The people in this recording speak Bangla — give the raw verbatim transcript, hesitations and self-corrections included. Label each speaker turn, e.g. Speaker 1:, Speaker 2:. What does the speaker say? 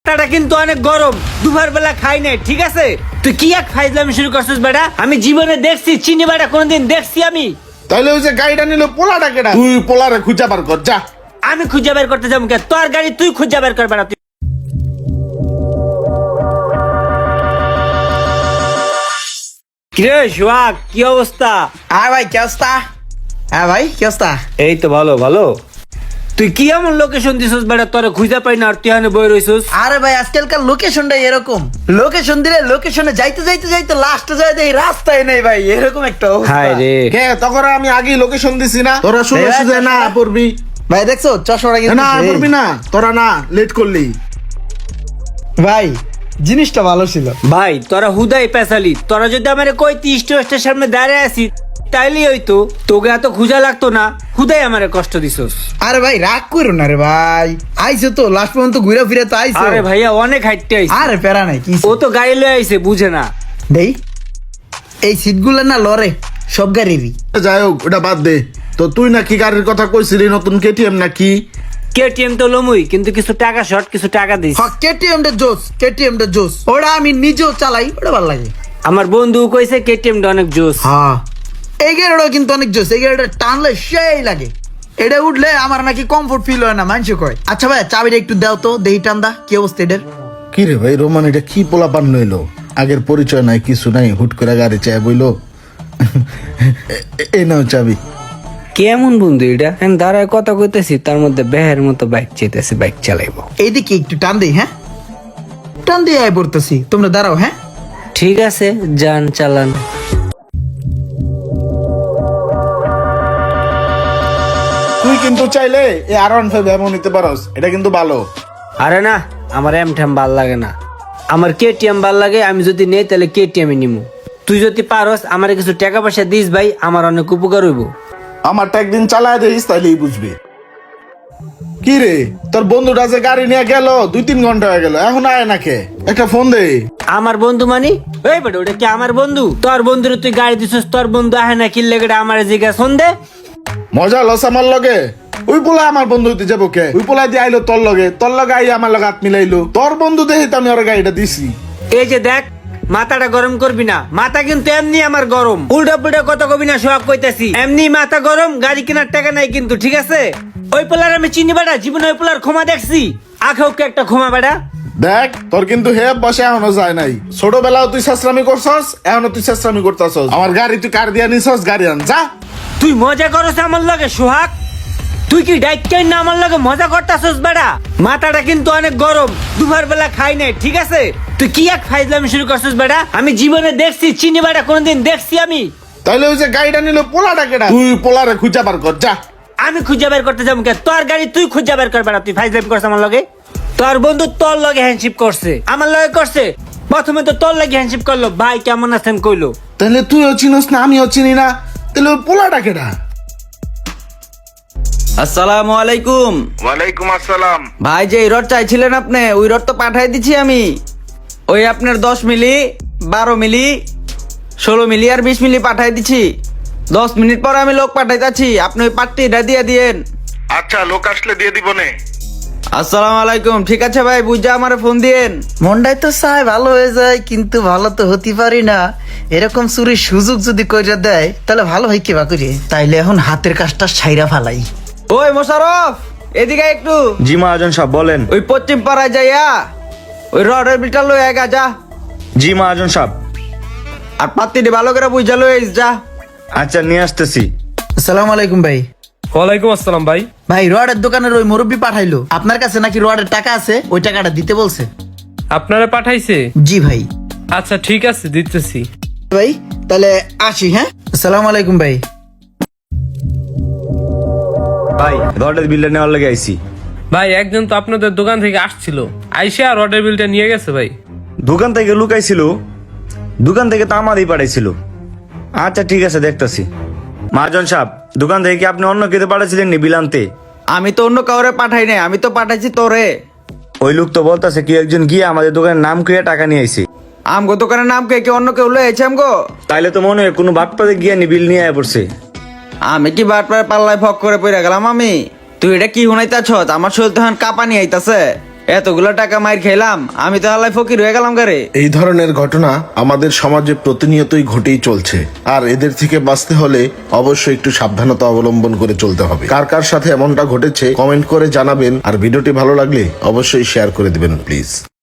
Speaker 1: মাথাটা কিন্তু অনেক গরম, দুপুর বেলা খাই নাই, ঠিক আছে? তুই কি এক ফাইজলামি শুরু করছিস বেটা? আমি জীবনে দেখছি চিনি বেটা, কোনদিন দেখছি আমি?
Speaker 2: তাহলে ওই যে গাড়িটা নিল পোলাটা কেডা? তুই পোলারে খুঁজা বার কর যা।
Speaker 1: আমি খুঁজে বের করতে যাবো কে? তোর গাড়ি তুই খুঁজে বের কর বেটা। তুই কিরে সোহাগ, কি অবস্থা?
Speaker 3: হ্যাঁ ভাই কি অবস্থা? হ্যাঁ ভাই কি অবস্থা?
Speaker 1: এই তো ভালো ভালো। তুই কি এমন লোকেশন দিছিস বেটা, তোরে খুঁজে পাই না আর তুই এখানে বই রইছিস?
Speaker 3: আরে ভাই আজকালকার লোকেশনটা এরকম, লোকেশন দিলে লোকেশনে যাইতে যাইতে যাইতে লাস্টে যায় দেখি রাস্তায় নেই ভাই, এরকম একটা অবস্থা।
Speaker 1: হায় রে,
Speaker 2: কে তখন আমি আগেই লোকেশন দিছি না? তোরা শুনে
Speaker 3: এই
Speaker 2: শুনে না
Speaker 3: চশমা-
Speaker 2: পড়বি
Speaker 3: ভাই দেখছো চশমাটা কিন্তু
Speaker 2: না
Speaker 3: সেই।
Speaker 2: পড়বি না, তোরা না লেট করলি।
Speaker 3: ভাই জিনিসটা ভালো ছিল।
Speaker 1: ভাই তোরা হুদাই পেশালি, তোরা যদি আমার কইতি স্টেশনের সামনে দাঁড়িয়ে আসি তাইলেই হইতো, তোকে এত খুঁজা লাগতো না। হুদাই আমারে কষ্ট দিছস।
Speaker 3: আরে ভাই রাগ করো না রে ভাই, আইছো তো লাস্ট পর্যন্ত ঘুরে ফিরে তো আইছো।
Speaker 1: আরে ভাইয়া অনেক হাইটতে আইছে,
Speaker 3: আরে প্যারা নাই কি
Speaker 1: ও তো গাড়ি লয়ে আইছে, বুঝে না।
Speaker 3: দেই এই সিটগুলো না লরে সব গাড়িরই।
Speaker 2: যাই হোক ওটা বাদ দে। তো তুই নাকি গাড়ির কথা কইছিলি নতুন কেটিএম নাকি?
Speaker 1: কেটিএম তো লমুই, কিন্তু কিছু টাকা শর্ট, কিছু টাকা দিস।
Speaker 3: হ্যাঁ কেটিএম টা জোস, কেটিএম টা জোস, ওটা আমি নিজেও চালাই, ওটা ভালো লাগে।
Speaker 1: আমার বন্ধু কইছে কেটিএম টা অনেক জোস।
Speaker 3: হ্যাঁ এই গাড়িটা কিন্তু অনেক জোস, এই গাড়িটা টানলে সেই লাগে, এটা উঠলে আমার নাকি কমফোর্ট ফিল হয় না, মানুষ কয়। আচ্ছা ভাই চাবিটা একটু দাও তো দেহি, টান্দা কি অবস্থা এটার?
Speaker 2: কি রে ভাই রোমান, এটা কি পোলা পান নইলো? আগের পরিচয় নাই কিছু নাই, হুট করে গাড়ি চাই বইলো। এই নাও চাবি।
Speaker 1: কেমন বন্ধু এটা? আমি দাঁড়ায় কথা কইতেছি, তার মধ্যে বেহের মতো বাইক চাইতেছে, বাইক চালাইবো।
Speaker 3: এইদিকে একটু টান দেই, হ্যাঁ টান দিয়ে আয় পড়তেছি, তোমরা দাঁড়াও। হ্যাঁ
Speaker 1: ঠিক আছে, যান চালান।
Speaker 2: তুই কিন্তু চাইলে এই আর ওয়ান ফাইভ এমন নিতে পারস, এটা কিন্তু ভালো।
Speaker 1: আরে না, আমার এম ঠ্যাম ভাল লাগে না, আমার কেটিএম ভাল লাগে। আমি যদি নেই তাহলে কেটিএম নিমু। তুই যদি পারস আমার কিছু টাকা পয়সা দিস ভাই, আমার অনেক উপকার হইব।
Speaker 2: আমারটা একদিন চালায় দিস তাইলেই বুঝবি। কি রে তোর বন্ধুটা যে গাড়ি নিয়ে গেল, দুই তিন ঘন্টা হয়ে গেল, এখন আয় না কে? একটা ফোন দে।
Speaker 1: আমার বন্ধু মানি ওই বেটা, ওটা কি আমার বন্ধু? তোর বন্ধুরে তুই গাড়ি দিছিস, তোর বন্ধু আহে না কিনলে গেটা আমার জিজ্ঞাসা ফোন দে।
Speaker 2: মজা লস আমার লগে? ওই পোলা আমার বন্ধু হইতে যাবো কে? ওই পোলা দিয়ে আইলো তোর লগে, তোর লগে আই আমার লগে হাত মিলাইলো। তোর বন্ধু দেখে তো আমি ওর গাড়িটা দিছি।
Speaker 1: এই যে দেখ, মাথাটা গরম করবি না, মাথা কিন্তু এমনি আমার গরম। উল্টা পুল্টা কথা কবি না, সোহাগ কইতাছি। এমনি মাথা গরম, গাড়ি কেনার টাকা নাই কিন্তু, ঠিক আছে? ওই পোলার আমি চিনি বেটা, জীবনে ওই পোলার ক্ষমা দেখছি, আখেও কে একটা ক্ষমা বেটা।
Speaker 2: দেখ তোর কিন্তু হে বসে এখনো যায় নাই। ছোটবেলাও তুই শেষরামি করছস, এখনো তুই শেষরামি করতেছস। আমার গাড়ি তুই কার দিয়া নিছস, গাড়ি আন যা।
Speaker 1: তুই মজা করছ আমার লগে সোহাগ? তুই কি ডাইকেন না আমার লগে মজা করতাছস বেটা? মাথাটা কিন্তু অনেক গরম, দুপুর বেলা খাই নাই, ঠিক আছে? তুই কি এক ফাইজলামি শুরু করছিস বেটা? আমি জীবনে দেখছি চিনি বেটা, কোনদিন দেখছি আমি?
Speaker 2: তাইলে ওই যে গাড়িটা নিল পোলাটা কেডা? তুই পোলারে খুঁজা বার কর যা।
Speaker 1: আমি খুঁজে বের করতে যাবো কে? তোর গাড়ি তুই খুঁজে বের কর বেটা। তুই ফাইজলামি করছিস আমার লগে? তোর বন্ধু তোর লগে হ্যান্ডশিপ করছে, আমার লগে করছে। প্রথমে তো তোর লগে হ্যান্ডশিপ করলো, ভাই কেমন আছেন কইলো।
Speaker 2: তাহলে তুইও চিনস না, আমিও চিনি না, তাহলে ওই পোলাটা কেডা?
Speaker 4: আসসালামু আলাইকুম।
Speaker 2: ওয়ালাইকুম আসসালাম।
Speaker 4: ভাই যে রড চাইছিলেন আপনি, ওই রড তো পাঠাই দিছি আমি। ওই আপনার দশ মিলি, বারো মিলি, ষোলো মিলি আর বিশ মিলি পাঠাই দিছি। দশ মিনিট পর আমি লোক পাঠাইতাছি, আপনি ওই পাট্টিটা দিয়ে দিয়েন।
Speaker 2: আচ্ছা লোক আসলে দিয়ে দিব নে।
Speaker 4: আসসালামু আলাইকুম। ঠিক আছে ভাই, বুঝা আমারে ফোন দিয়েন।
Speaker 3: মনটাই তো চায় ভালো হয়ে যায়, কিন্তু ভালো তো হতে পারি না। এরকম চুরির সুযোগ যদি কইরা দেয় তাহলে ভালো হয় কেবা করি, তাইলে এখন হাতের কাজটা ছাইরা ফালাই।
Speaker 4: ওই মোশারফ, এদিকে একটু।
Speaker 5: জি মহাজন সাহেব বলেন।
Speaker 4: ওই পশ্চিম পাড়ায় যাইয়া ওই রডের বিলটা লই এগা যা।
Speaker 5: জি মহাজন সাহেব।
Speaker 4: আর পাত্তিটি ভালো করে বুঝা লই যা।
Speaker 5: আচ্ছা নিয়ে আসতেছি।
Speaker 3: আসসালামু আলাইকুম ভাই।
Speaker 6: ওয়ালাইকুম আসসালাম ভাই।
Speaker 3: ভাই রডের দোকানের ওই মুরব্বি পাঠাইলো, আপনার কাছে নাকি রডের টাকা আছে, ওই টাকাটা দিতে বলছে।
Speaker 6: আপনারা পাঠাইছে?
Speaker 3: জি ভাই।
Speaker 6: আচ্ছা ঠিক আছে, দিতেছি।
Speaker 3: ভাই তাহলে আসি। হ্যাঁ আসসালামু আলাইকুম ভাই।
Speaker 5: ভাই রডের বিলটা নেওয়ার লেগে আইছি।
Speaker 6: ভাই একজন তো আপনাদের দোকান থেকে আসছিল, আইসা আর অর্ডার বিলটা নিয়ে গেছে ভাই।
Speaker 5: দোকান থেকে লুকাইছিল? দোকান থেকে তো আমারই পাঠাইছিল। আচ্ছা ঠিক আছে দেখতাছি। মহাজন সাহেব, দোকান থেকে কি আপনি অন্য কেটে পাঠাইছিলেন নি বিল আনতে?
Speaker 4: আমি তো অন্য কাউরে পাঠাই নাই, আমি তো পাঠাইছি তোরে।
Speaker 5: ওই লোক তো বলতেছে কি একজন গিয়ে আমাদের দোকানের নাম খুঁয়ে টাকা নিয়ে আইছে।
Speaker 4: আমগো দোকানের নাম কে কি অন্য কেউ লয়ে আইছে আমগো?
Speaker 5: তাইলে তো মনে হয় কোনো বাটপাতে গিয়ে নি বিল নিয়ে আয় পড়ছে।
Speaker 4: আমি কি বাটপার পাল্লায় ফক করে পড়ে গেলাম আমি? তুই এটা কি হুনাইতাছ? আমার শরীর তখন কাঁপানি আইতাছে। এতগুলো টাকা মাইর খেলাম, আমি তো আল্লাহ ফকির হয়ে গেলাম গারে।
Speaker 2: এই ধরনের ঘটনা আমাদের সমাজে প্রতিনিয়তই ঘটেই চলছে, আর এদের থেকে বাঁচতে হলে অবশ্যই একটু সাবধানতা অবলম্বন করে চলতে হবে। কার কার সাথে এমনটা ঘটেছে কমেন্ট করে জানাবেন, আর ভিডিওটি ভালো লাগলে অবশ্যই শেয়ার করে দিবেন প্লিজ।